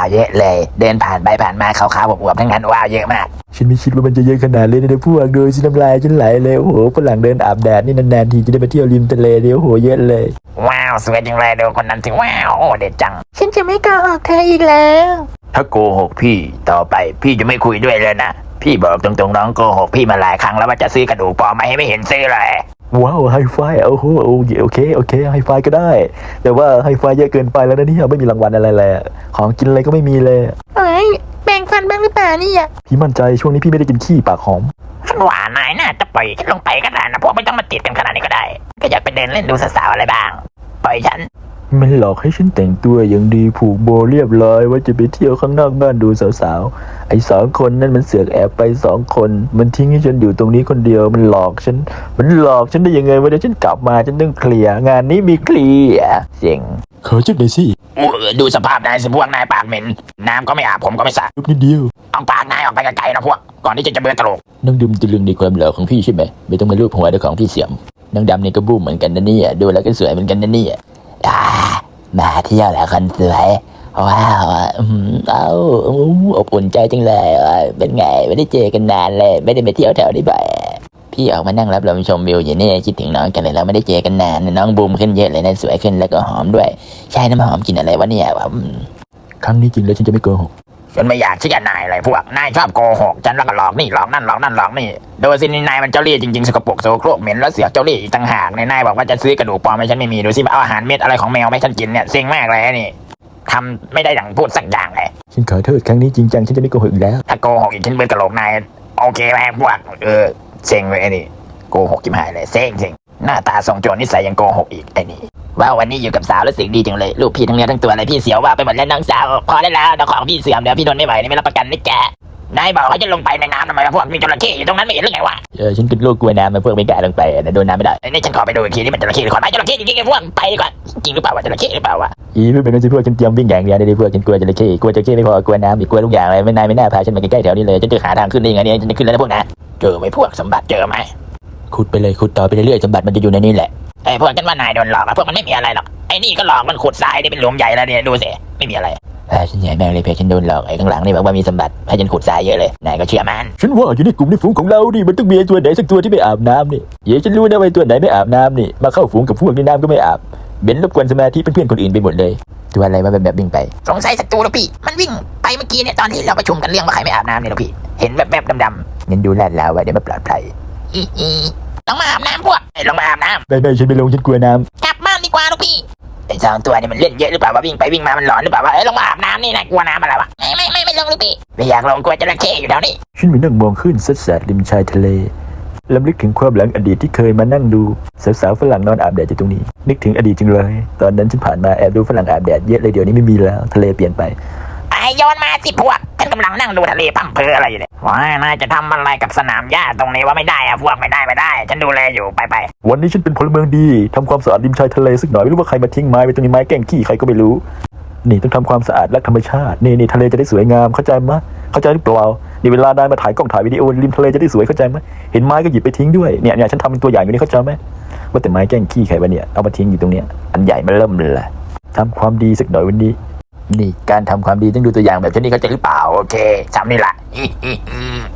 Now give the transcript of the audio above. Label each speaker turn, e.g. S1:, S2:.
S1: าวเยอะเลยเดินผ่านไปผ่านมาขาวๆอวบๆทั้งนั้นว้าวเยอะมาก
S2: ฉันไม่คิดว่ามันจะเยอะขนาดเลยนะพวกโดยสิน้ำลายฉันไหลเลยโอ้โหฝรั่งเดินอาบแดดนี่นานๆทีจะได้ไปเที่ยวริมทะเลเดียวโอ้โหเยอะเลย
S1: ว้าวสวยจังเลยดูคนนั้นสิว้าวโอ้เด็ดจัง
S3: ฉันจะไม่โกหกเธออีกแล้ว
S1: ถ้าโกหกพี่ต่อไปพี่จะไม่คุยด้วยเลยนะพี่บอกตรงๆน้องโกหกพี่มาหลายครั้งแล้วว่าจะซื้อกระดูกปลอมมาให้ไม่เห็นซื้อเลย
S2: ว้าวไฮไฟโอ้โหโอเคไฮไฟก็ได้แต่ว่าไฮไฟเยอะเกินไปแล้วนะเนี่ยไม่มีรางวัลอะไรเลยของกินอะไรก็ไม่มีเลย
S3: เอ้ยแบ่งฟันบ้างหรือเปล่าเนี่ย
S2: พี่มั่นใจช่วงนี้พี่ไม่ได้กินขี้ปากหอม
S1: ฉันว่านายน่าจะปล่อยฉันลงไปก็ได้นะพวกไม่ต้องมาติดกันขนาดนี้ก็ได้ก็อยากไปเดินเล่นดูสาวๆอะไรบ้างปล่อยฉัน
S2: มันหลอกให้ฉันแต่งตัวอย่างดีผูกโบเรียบร้อยว่าจะไปเที่ยวข้างนอกบ้านดูสาวๆไอ้2 คนนั่นมันเสือกแอบไป2 คนมันทิ้งให้ฉันอยู่ตรงนี้คนเดียวมันหลอกฉันได้ยังไงวะเดี๋ยวฉันกลับมาฉันต้องเคลียร์งานนี้มีเคลียร์เสียงขอจุดหน่อยสิ
S1: ดูสภาพนายสิพวกนายปากเหม็นน้ำก็ไม่อาบผมก็ไม่สระ
S2: จุดนิดเดียว
S1: เอาปากนายออกไปไกลๆนะพวกก่อนที่จะเบื่อตลก
S2: น้องดำตะลึงในความหล่อของพี่ใช่ไหมไม่ต้องมาลูบหัวด้วยของพี่เสียมน้องดำนี่ก็บูมเหมือนกันนะเนี่ยดูแล้วก็สวยเหมือนกันนะเนี่ย
S1: มาเที่ยวแล้วคนสวยว้าว
S2: อบอุ่นใจจังเลยเป็นไงไม่ได้เจอกันนานเลยไม่ได้ไปเที่ยวแถวนี้บ่อย
S1: พี่ออกมานั่งรับลมชมวิวอยู่นี่คิดถึงน้องกันเลยแล้วไม่ได้เจอกันนานน้องบูมขึ้นเยอะเลยนะสวยขึ้นแล้วก็หอมด้วยใช่น้ำหอมกินอะไรวะเนี่ย
S2: ครั้งนี้จริงแล้วฉันจะไม่โกหก
S1: ฉันไม่อยากเชื่อนายเลยพวกนายชอบโกหกฉันแล้วก็หลอกนี่หลอกนั่นหลอกนี่โดยสินายมันเจ้าเล่ห์จริงๆสกปรกโสโครกเหม็นแล้วเสียเจ้าเล่ห์อีกต่างหากนายบอกว่าจะซื้อกระดูกปลอมให้ฉันไม่มีดูสิเอาอาหารเม็ดอะไรของแมวให้ฉันกินเนี่ยเซ็งมากเลยนี่ทำไม่ได้อย่างพูดสักอย่างเลย
S2: ฉันขอโทษครั้งนี้จริงจังฉันจะไม่โกหกอีกแล้ว
S1: ถ้าโกหกอีกฉันเบื่อกระโหลกนายโอเคไหมพวกเซ็งเลยนี่โกหกจิ้มหายเลยเซ็งหน้าตาทรงโจรนิสัยยังโกหกอีกไอ้นี่ว่าวันนี้อยู่กับสาวรู้สึกดีจังเลยลูกพี่ทั้งเนื้อทั้งตัวเลยพี่เสียวว่าไปหมดแล้วน้องสาวพอได้แล้วเดี๋ยวของพี่เสื่อมเดี๋ยวพี่ทนไม่ไหวนี่ไม่รับประกันนะแกนายบอกเขาจะลงไปในน้ำทำไมพวกมีจระเข้อยู่ตรงนั้นไม่เห็นหรือไงวะ
S2: ฉันเป็นโรคกลัวน้ำมันพวกไม่กล้าลงไปนะโดนน้ำไม่ได้
S1: นี่ฉันขอไปดูอีกทีนี่มันจระเข้หรือขอนไม้จระเข้จริงๆไอ้พวกไปดีกว่าจริงหรือเปล่าวะจระเข้หรือเปล่าวะ
S2: ไม่เป็นไรสิพวกฉันเตรียมวิ่งอย่างเดียวเลยพวกฉันกลัวจระเข้ไม่พอกลัวน้ำอีกกลัวทุกอย่างเลยไม่น่าพาฉันมาใกล้ๆแถวนี้เลยฉันจะหาทางขึ้นได้ยังไงเนี่ยฉันจะขึ้นแล้วนะพวกนะ
S1: เจอไหมพวกสมบัติเจอไหม
S2: ขุดไปเลยขุดต่อไปเรื่อยๆสมบัติมันจะอยู่ในนี้แหละ
S1: ไอ้พวกฉันว่านายโดนหลอกพวกมันไม่มีอะไรหรอกไอ้นี่ก็หลอกมันขุดทรายได้เป็นหลุมใหญ่แล้วเนี่ยดูสิไม่มีอะไร
S2: ฉันใหญ่แม่งเลยเพจฉันโดนหลอกไอ้ข้างหลังนี่บอกว่ามีสมบัติให้ฉันขุดทรายเยอะเลยนายก็เชื่อมันฉันว่าอยู่ในกลุ่มในฝูงของเราดิมันต้องมีตัวไหนสักตัวที่ไม่อาบน้ำนี่ฉันรู้นะว่าตัวไหนไม่อาบน้ำนี่มาเข้าฝูงกับพวกในน้ำก็ไม่อาบเบนรบกวนสมาธิเพื่อนๆคนอื่นไปหมดเลยตัวอะไรมาแบบวิ่งไป
S1: สงสัยศัตรูแล้วพี่มันวิ่งไปเมื่อกี้เนี่ยตอนที่เราประชุมกันเรื่องว่าใครไม่อาบน้ำเนี่ยแล้วพี่เห็นแบบดำ
S2: ๆงั้นดูลาดแล้วว่าเดี๋ยวมาปลอดภัย
S1: ลงมาอาบน้ำพวกลงมาอาบน้ำ
S2: ไม่ฉันไม่ลงฉันกลัวน้ำ
S1: กลับบ้านดีกว่าลูกพี่ไอ้2 ตัวนี่มันเล่นเยอะหรือเปล่าวะวิ่งไปวิ่งมามันหลอนหรือเปล่าวะลงมาอาบน้ำนี่นะกลัวน้ำอะไรวะไม่ลงลูกพี่ไม่อยากลงกลัวจระเข้อยู่แถวนี้
S2: ฉันไปนั่งมองขึ้นซัดสาดริมชายทะเลลำลึกถึงความหลังอดีตที่เคยมานั่งดูสาวๆฝรั่งนอนอาบแดดอยู่ตรงนี้นึกถึงอดีตจังเลยตอนนั้นฉันผ่านมาแอบดูฝรั่งอาบแดดเยอะเลยเดี๋ยวนี้ไม่มีแล้วทะเลเปลี่ยนไป
S1: ไอ้ย้อนมาสิพวกฉันกำลังนั่งดูทะเลพั่มเพออะไรอยู่เนี่ยว้านายจะทำอะไรกับสนามหญ้าตรงนี้ว่าไม่ได้อะพวกไม่ได้ฉันดูแลอยู่ไป
S2: วันนี้ฉันเป็นพลเมืองดีทำความสะอาดริมชายทะเลสักหน่อยไม่รู้ว่าใครมาทิ้งไม้ไว้ตรงนี้ไม้แกล้งขี้ใครก็ไม่รู้นี่ต้องทำความสะอาดรักธรรมชาตินี่ทะเลจะได้สวยงามเข้าใจมั้ยเข้าใจหรือเปล่านี่เวลานายมาถ่ายกล้องถ่ายวิดีโอริมทะเลจะได้สวยเข้าใจมั้ยเห็นไม้ก็หยิบไปทิ้งด้วยเนี่ยฉันทำเป็นตัวอย่างอยู่นี่เข้าใจมั้ยว่าแต่ไม้แกล้งขี้ใครวะเนี่ยเอามาทิ้งอยู่ตรงเนี้ยอันใหญ่มาเริ่มเลยทำความดีสักหน่อยวันนี้นี่การทำความดีต้องดูตัวอย่างแบบนี้เข้าใจหรือเปล่าโอเคจำนี่แหละ